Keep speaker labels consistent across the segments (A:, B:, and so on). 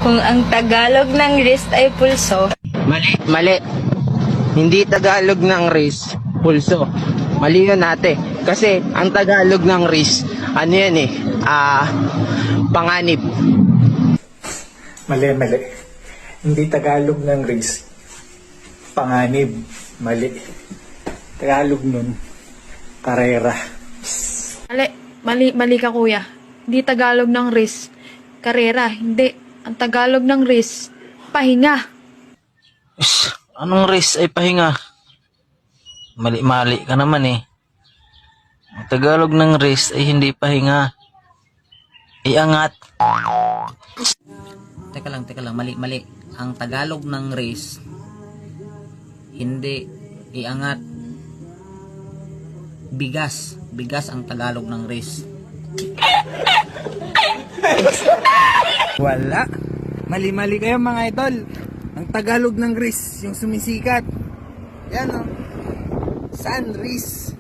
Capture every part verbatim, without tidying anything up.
A: Kung ang Tagalog ng wrist ay pulso,
B: Mali. Mali. Hindi Tagalog ng wrist, pulso. Mali yun ate. Kasi ang Tagalog ng wrist, ano yan eh, ah, panganib.
C: Mali, mali. Hindi Tagalog ng race. Panganib. Mali. Tagalog nun, karera.
D: Mali, mali, mali ka kuya. Hindi Tagalog ng risk. Karera, hindi. Ang Tagalog ng risk, pahinga.
E: Is, anong race ay pahinga? Mali-mali ka naman eh. Ang Tagalog ng race ay hindi pahinga. Iangat.
F: Teka lang, teka lang, mali, mali. Ang Tagalog ng race, hindi iangat. Bigas. Bigas ang Tagalog ng race.
G: Wala. Mali-mali kayo mga idol. Ang Tagalog ng Riz, yung sumisikat. Yan o. San Riz.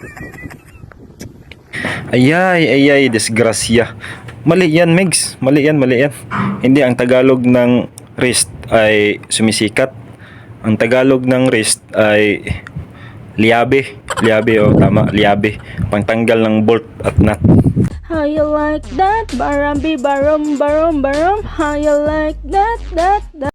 H: Ayay, ayay, desgrasya. Mali yan, Megs. Mali yan, mali yan. Hindi, ang Tagalog ng wrist ay sumisikat. Ang Tagalog ng wrist ay liabe. Liabe, oh, tama, liabe. Pangtanggal ng bolt at nut.
A: how you like that? Barambi, barom, barom, barom. How you like that, that, that?